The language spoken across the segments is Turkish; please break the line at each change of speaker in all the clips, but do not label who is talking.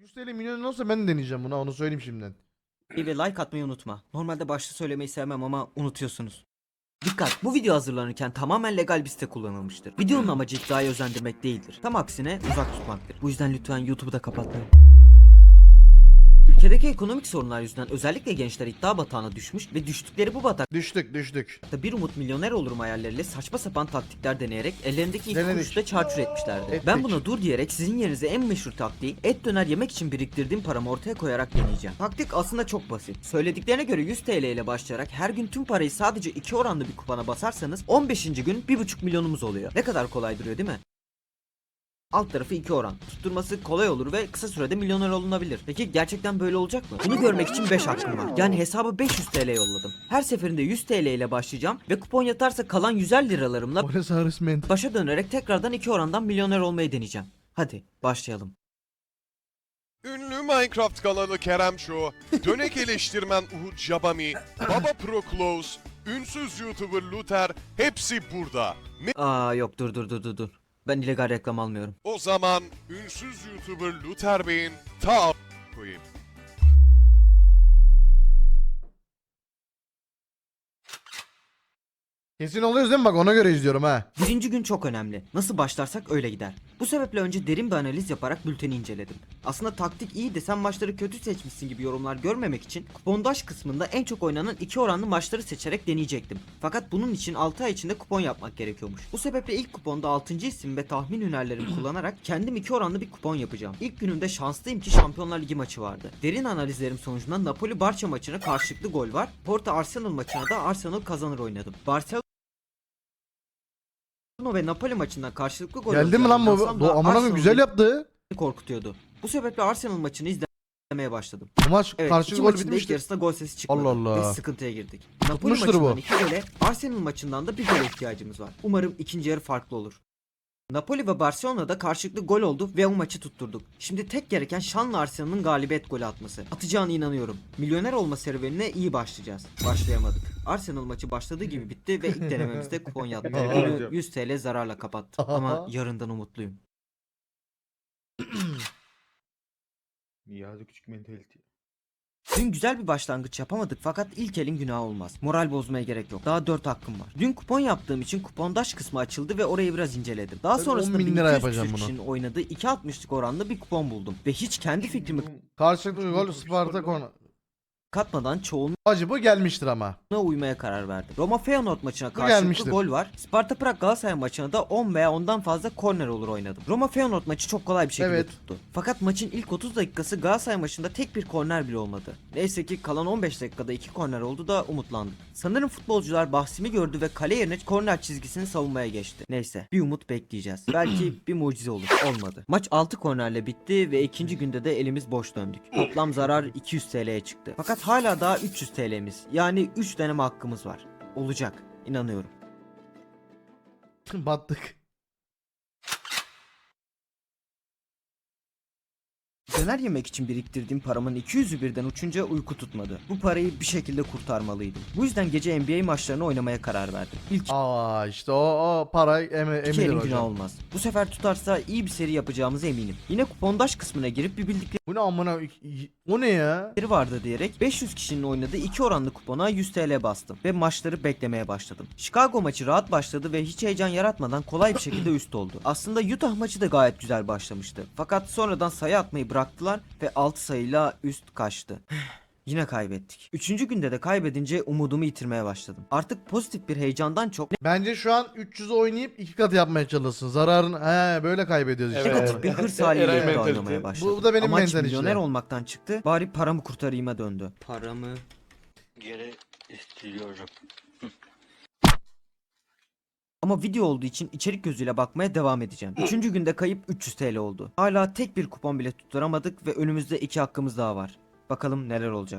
100 TL milyon olsa ben de deneyeceğim buna, onu söyleyeyim şimdiden.
Ve like atmayı unutma. Normalde başta söylemeyi sevmem ama unutuyorsunuz. Dikkat! Bu video hazırlanırken tamamen legal bir site kullanılmıştır. Videonun amacı iddiayı özendirmek değildir. Tam aksine uzak tutmaktır. Bu yüzden lütfen YouTube'u da kapatmayın. Ülkedeki ekonomik sorunlar yüzünden özellikle gençler iddia batağına düşmüş ve düştükleri bu batakta
Düştük.
bir umut milyoner olurum hayalleriyle saçma sapan taktikler deneyerek ellerindeki ilk
Denedik.
kuruşu da çarçur etmişlerdi.
Ettik.
Ben buna dur diyerek sizin yerinize en meşhur taktiği et döner yemek için biriktirdiğim paramı ortaya koyarak deneyeceğim. Taktik aslında çok basit. Söylediklerine göre 100 TL ile başlayarak her gün tüm parayı sadece 2 oranlı bir kupona basarsanız 15. gün 1,5 milyonumuz oluyor. Ne kadar kolay duruyor değil mi? Alt tarafı 2 oran. Tutturması kolay olur ve kısa sürede milyoner olunabilir. Peki gerçekten böyle olacak mı? Bunu görmek için 5 hakkım var. Yani hesaba 500 TL yolladım. Her seferinde 100 TL ile başlayacağım ve kupon yatarsa kalan 150 liralarımla
O ne sarısmen.
başa dönerek tekrardan 2 orandan milyoner olmayı deneyeceğim. Hadi başlayalım.
Ünlü Minecraft kanalı Kerem Show, dönek eleştirmen Uhud Jabami, Baba Pro Close, ünsüz YouTuber Luther hepsi burada.
Aa yok dur. Ben illegal reklam almıyorum.
O zaman ünsüz YouTuber Luther Bey'in ta koyayım.
Kesin oluyoruz değil mi? Bak ona göre izliyorum ha.
Birinci gün çok önemli. Nasıl başlarsak öyle gider. Bu sebeple önce derin bir analiz yaparak bülteni inceledim. Aslında taktik iyi de sen maçları kötü seçmişsin gibi yorumlar görmemek için kupondaş kısmında en çok oynanan 2 oranlı maçları seçerek deneyecektim. Fakat bunun için 6 ay içinde kupon yapmak gerekiyormuş. Bu sebeple ilk kuponda 6. isim ve tahmin hünerlerimi kullanarak kendim 2 oranlı bir kupon yapacağım. İlk günümde şanslıyım ki Şampiyonlar Ligi maçı vardı. Derin analizlerim sonucunda Napoli Barça maçına karşılıklı gol var. Porto Arsenal maçına da Arsenal kazanır oynadım. Barcelona ve Napoli maçından karşılıklı gol
Geldi mi lan bu?
olacağını
Bu
da
amına koyayım
Arsenal'ı
güzel yaptı.
korkutuyordu. Bu sebeple Arsenal maçını izlemeye başladım.
Bu maç
Evet,
karşı
iki
gol
maçın da ilk
bitmişti.
yarısında gol sesi çıkmadı.
Allah Allah.
Ve sıkıntıya girdik. Napoli
Tutmuştur bu.
maçından 2 gole, Arsenal maçından da bir gole ihtiyacımız var. Umarım ikinci yarı farklı olur. Napoli ve Barcelona'da karşılıklı gol oldu ve o maçı tutturduk. Şimdi tek gereken şanlı Arsenal'ın galibiyet golü atması. Atacağına inanıyorum. Milyoner olma serüvenine iyi başlayacağız. Başlayamadık. Arsenal maçı başladığı gibi bitti ve ilk denememizde kupon yattı. Günü 100 TL zararla kapattı. Ama yarından umutluyum.
Niyazi küçük mentality.
Dün güzel bir başlangıç yapamadık fakat ilk elin günahı olmaz. Moral bozmaya gerek yok. Daha 4 hakkım var. Dün kupon yaptığım için kupondaş kısmı açıldı ve orayı biraz inceledim. Daha
Ben
sonrasında
10.000 lira
1200
yapacağım
küsür
bunu.
kişinin oynadığı 2.60'lık oranlı bir kupon buldum. Ve hiç kendi fikrimi
Karşılıklı gol Sparta konu.
katmadan çoğunluğuna
Hacı bu gelmiştir ama.
uymaya karar verdim. Roma Feyenoord maçına
Bu
karşılıklı
gelmiştir.
gol var. Sparta Prag Galatasaray maçına da 10 veya ondan fazla korner olur oynadım. Roma Feyenoord maçı çok kolay bir şekilde
Evet.
tuttu. Fakat maçın ilk 30 dakikası Galatasaray maçında tek bir korner bile olmadı. Neyse ki kalan 15 dakikada 2 korner oldu da umutlandık. Sanırım futbolcular bahsimi gördü ve kale yerine korner çizgisini savunmaya geçti. Neyse bir umut bekleyeceğiz. Belki bir mucize olur. Olmadı. Maç 6 kornerle bitti ve ikinci günde de elimiz boş döndük. Toplam zarar 200 TL'ye çıktı. Fakat hala daha 300 TL'miz yani 3 deneme hakkımız var. Olacak. İnanıyorum.
Battık.
Döner yemek için biriktirdiğim paramın 200'ü birden uçunca uyku tutmadı. Bu parayı bir şekilde kurtarmalıydım. Bu yüzden gece NBA maçlarını oynamaya karar verdim. İlk
Aa işte o para
iki
emilir
elin günah
hocam.
olmaz. Bu sefer tutarsa iyi bir seri yapacağımıza eminim. Yine kupondaş kısmına girip bir bildikleri
Bu ne amına o ne ya?
vardı diyerek 500 kişinin oynadığı 2 oranlı kupona 100 TL bastım ve maçları beklemeye başladım. Chicago maçı rahat başladı ve hiç heyecan yaratmadan kolay bir şekilde üst oldu. Aslında Utah maçı da gayet güzel başlamıştı. Fakat sonradan sayı atmayı bıraktılar ve 6 sayıyla üst kaçtı. Yine kaybettik. 3. günde de kaybedince umudumu yitirmeye başladım. Artık pozitif bir heyecandan çok
Bence şu an 300 oynayıp 2 kat yapmaya çalışsın. Zararın böyle kaybediyoruz işte.
negatif bir hırs haliyle
Eray
de
mentalite.
oynamaya başladım.
Bu da benim
Amaç
mental
milyoner
işte.
olmaktan çıktı. Bari paramı kurtarayım'a döndü. Paramı
geri istiyorum.
Ama video olduğu için içerik gözüyle bakmaya devam edeceğim. 3. günde kayıp 300 TL oldu. Hala tek bir kupon bile tutturamadık ve önümüzde 2 hakkımız daha var. Bakalım neler olacak.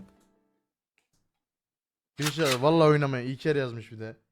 Bir şey vallahi oynamaya iyi kere yazmış bir de.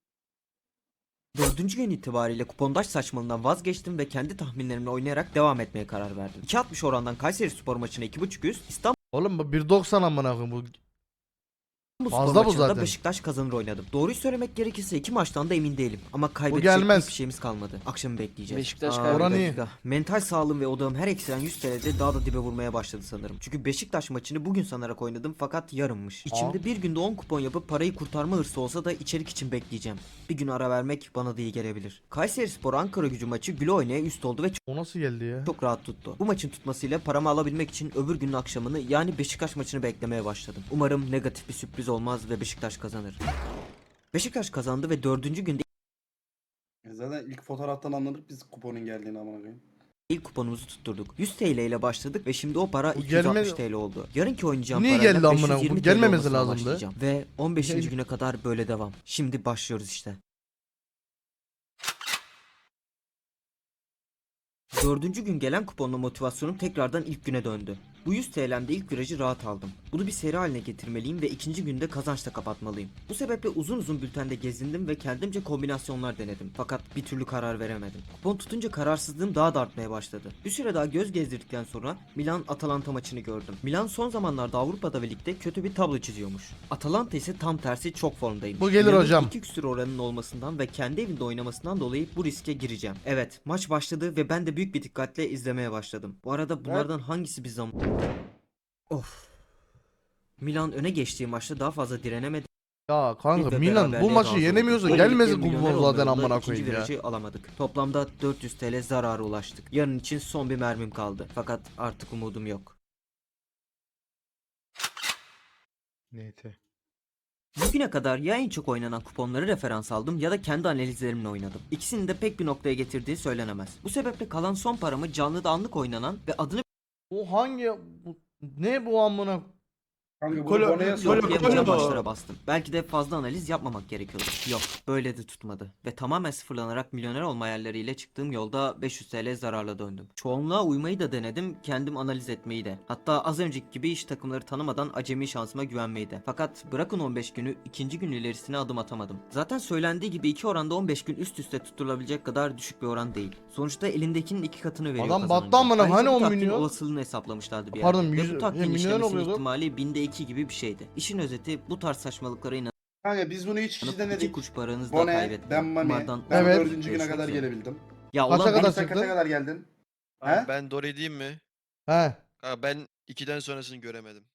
4. gün itibariyle kupondaş saçmalığından vazgeçtim ve kendi tahminlerimle oynayarak devam etmeye karar verdim. 2.60 orandan Kayserispor maçına 2.5 üst, İstanbul
Oğlum bu 1.90 amına koyayım bu.
Bu
Fazla
spor
bu
maçında
zaten.
Beşiktaş kazanır oynadım. Doğruyu söylemek gerekirse iki maçtan da emin değilim. Ama kaybedecek
gelmez.
hiçbir şeyimiz kalmadı. Akşamı bekleyeceğiz.
Beşiktaş
bir
kaybeder.
dakika. Mental sağlığım ve odağım her eksilen 100 TL'de daha da dibe vurmaya başladı sanırım. Çünkü Beşiktaş maçını bugün sanarak oynadım fakat yarınmış. İçimde bir günde 10 kupon yapıp parayı kurtarma hırsı olsa da içerik için bekleyeceğim. Bir gün ara vermek bana da iyi gelebilir. Kayserispor Ankaragücü maçı güle oynaya üst oldu ve
O nasıl geldi ya?
çok rahat tuttu. Bu maçın tutmasıyla paramı alabilmek için öbür günün akşamını yani Beşiktaş maçını beklemeye başladım. Umarım negatif bir sürpriz olmaz ve Beşiktaş kazanır. Beşiktaş kazandı ve 4. günde
Zaten ilk fotoğraftan anladık biz kuponun geldiğini amına koyayım.
ilk kuponumuzu tutturduk. 100 TL ile başladık ve şimdi o para
Bu
260
gelme-
TL oldu. Yarınki oynayacağım
Niye
parayla
geldi amına?
520
Bu
TL
gelmemesi
olmasına
lazımdı.
başlayacağım. Ve 15.
Gel-
güne kadar böyle devam. Şimdi başlıyoruz işte. 4. gün gelen kuponla motivasyonum tekrardan ilk güne döndü. Bu 100 TL'mde ilk virajı rahat aldım. Bunu bir seri haline getirmeliyim ve ikinci günde kazançla kapatmalıyım. Bu sebeple uzun uzun bültende gezindim ve kendimce kombinasyonlar denedim. Fakat bir türlü karar veremedim. Kupon tutunca kararsızlığım daha da artmaya başladı. Bir süre daha göz gezdirdikten sonra Milan-Atalanta maçını gördüm. Milan son zamanlarda Avrupa'da ve ligde kötü bir tablo çiziyormuş. Atalanta ise tam tersi çok formdaymış.
Bu gelir
Milan'ın
hocam.
2 küsur oranının olmasından ve kendi evinde oynamasından dolayı bu riske gireceğim. Evet, maç başladı ve ben de büyük bir dikkatle izlemeye başladım. Bu arada bunlardan hangisi bir zaman... Of. Milan öne geçtiği maçta daha fazla direnemedi.
Ya kanka
ve
Milan bu
beraberliğe
maçı
razı
yenemiyorsa
oldu.
gelmesin
Böylelikle
kupon
milyoner
zaten
olma yolunda
amına
ikinci
koyayım ya.
virajı alamadık. Toplamda 400 TL zarara ulaştık. Yarın için son bir mermim kaldı. Fakat artık umudum yok.
Neyse.
Bugüne kadar ya en çok oynanan kuponları referans aldım ya da kendi analizlerimle oynadım. İkisinin de pek bir noktaya getirdiği söylenemez. Bu sebeple kalan son paramı canlıda anlık oynanan ve adını
Bu hangi ne bu amına?
Kanka bunu
Kolo-
Bone'ye
Kolo-
sor.
yapamayacağım
Kolo-
maçlara bastım. Belki de fazla analiz yapmamak gerekiyordu. Yok, böyle de tutmadı. Ve tamamen sıfırlanarak milyoner olma hayalleriyle çıktığım yolda 500 TL zararla döndüm. Çoğunluğa uymayı da denedim, kendim analiz etmeyi de. Hatta az önceki gibi iş takımları tanımadan acemi şansıma güvenmeyi de. Fakat bırakın 15 günü, ikinci gün ilerisine adım atamadım. Zaten söylendiği gibi iki oranda 15 gün üst üste tutturulabilecek kadar düşük bir oran değil. Sonuçta elindekinin 2 katını veriyor
Adam
kazanınca.
battı amına,
Ayrıca
hani
bu
10
taktiğin
milyon?
olasılığını hesaplamışlardı bir
Pardon,
yerde. Ve
100
bu taktiğin
milyon
işlemesinin
oluyordu.
ihtimali binde 2 gibi bir şeydi. İşin özeti bu tarz saçmalıklara
Kanka biz bunu 3 kişi
İki
denedik.
kuruş paranızı da
Bone,
kaybettim.
ben Mami.
Kumardan-
Ben
Evet.
4. güne
Görüşmek
kadar
üzere.
gelebildim.
Ya
Kaça
ulan
kadar
Sen
çıktı?
kaça kadar geldin?
Abi
He?
ben doğru diyeyim mi?
He.
Kanka ben 2'den sonrasını göremedim.